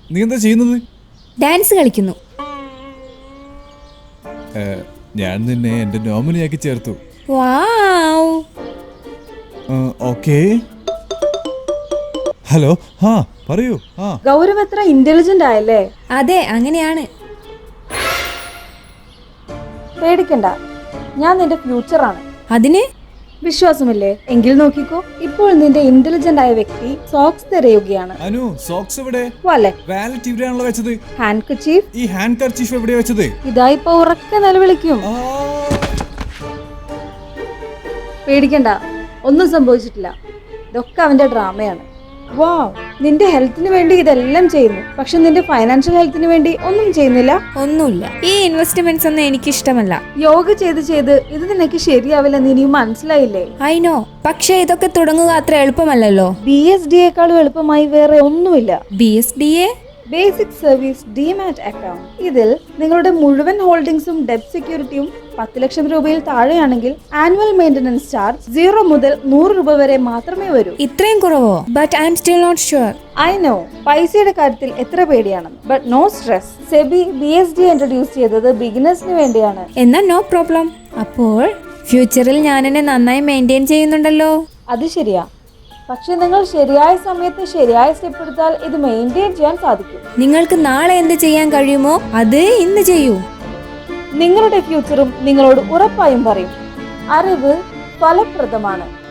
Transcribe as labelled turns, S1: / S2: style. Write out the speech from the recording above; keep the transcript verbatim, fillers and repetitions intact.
S1: നീ എന്താ ചെയ്യുന്നത്?
S2: ഡാൻസ് കളിക്കുന്നു.
S1: ഞാൻ നിന്നെ എന്റെ നോമിനിയാക്കി ചേർത്തു.
S2: വാവ്.
S1: ഓക്കേ. ഹലോ. ഹാ പറയൂ. ആ
S3: ഗൗരവ് എത്ര ഇന്റലിജന്റ് ആയല്ലേ?
S2: അതെ, അങ്ങനെയാണ്.
S3: പേടിക്കണ്ട, ഞാൻ നിന്റെ ഫ്യൂച്ചറാണ്.
S2: അതിന്
S3: വിശ്വാസമില്ലേ? എങ്കിൽ നോക്കിക്കോ. ഇപ്പോൾ നിന്റെ ഇന്റലിജന്റ് ആയ വ്യക്തി സോക്സ് തിരയുകയാണ്.
S1: അനു, സോക്സ് എവിടെ?
S3: വാലറ്റ്.
S1: വാലറ്റ് ഇവിടെയാണല്ലോ വെച്ചത്.
S3: Handkerchief.
S1: ഈ ഹാൻഡ് കർച്ചീഫ് എവിടെയാ വെച്ചത്?
S3: ഇതാ ഇപ്പൊ ഉറക്കെ നിലവിളിക്കും.
S1: ആ,
S3: പേടിക്കണ്ട, ഒന്നും സംഭവിച്ചിട്ടില്ല. ഇതൊക്കെ അവന്റെ ഡ്രാമയാണ്. വാവ്, നിന്റെ ഹെൽത്തിന് വേണ്ടി ഇതെല്ലാം ചെയ്യുന്നു, പക്ഷെ നിന്റെ ഫൈനാൻഷ്യൽ ഹെൽത്തിന് വേണ്ടി ഒന്നും ചെയ്യുന്നില്ല.
S2: ഒന്നുമില്ല. ഈ ഇൻവെസ്റ്റ്മെന്റ്സ് ഒന്നും എനിക്ക് ഇഷ്ടമല്ല.
S3: യോഗ ചെയ്ത് ചെയ്ത് ഇത് നിനക്ക് ശരിയാവില്ലെന്ന് ഇനിയും മനസ്സിലായില്ലേ?
S2: ഐ നോ, പക്ഷെ ഇതൊക്കെ തുടങ്ങുക അത്ര എളുപ്പമല്ലല്ലോ.
S3: ബി എസ് ഡി യെക്കാളും എളുപ്പമായി വേറെ ഒന്നുമില്ല.
S2: B S D A
S3: basic service demat account. ഇതിൽ നിങ്ങളുടെ മുഴുവൻ ഹോൾഡിംഗ്സും ഡെപ്റ്റ് സെക്യൂരിറ്റിയും പത്ത് ലക്ഷം രൂപയിൽ താഴെയാണെങ്കിൽ ആനുവൽ മെയിന്റനൻസ് ചാർജ് സീറോ മുതൽ നൂറ് രൂപ വരെ മാത്രമേ വരൂ.
S2: ഇത്രയും കുറവോ? But I'm still not sure.
S3: I know, പൈസയുടെ കാര്യത്തിൽ എത്ര പേടിയാണെന്ന്. But no stress. SEBI B S D introduce ചെയ്തത് ബിഗിനേഴ്സിന് വേണ്ടിയാണ്.
S2: എന്നാ നോ പ്രോബ്ലം. അപ്പോൾ ഫ്യൂച്ചറിൽ ഞാൻ എന്നെ നന്നായി മെയിൻറ്റെയിൻ ചെയ്യുന്നുണ്ടല്ലോ.
S3: അത് ശരിയാ, പക്ഷെ നിങ്ങൾ ശരിയായ സമയത്ത് ശരിയായ സ്റ്റെപ്പ് എടുത്താൽ ഇത് മെയിൻറ്റെയിൻ ചെയ്യാൻ സാധിക്കും.
S2: നിങ്ങൾക്ക് നാളെ എന്ത് ചെയ്യാൻ കഴിയുമോ അത് ഇന്ന് ചെയ്യൂ.
S3: നിങ്ങളുടെ ഫ്യൂച്ചറും നിങ്ങളോട് ഉറപ്പായും പറയും. അറിവ് ഫലപ്രദമാണ്.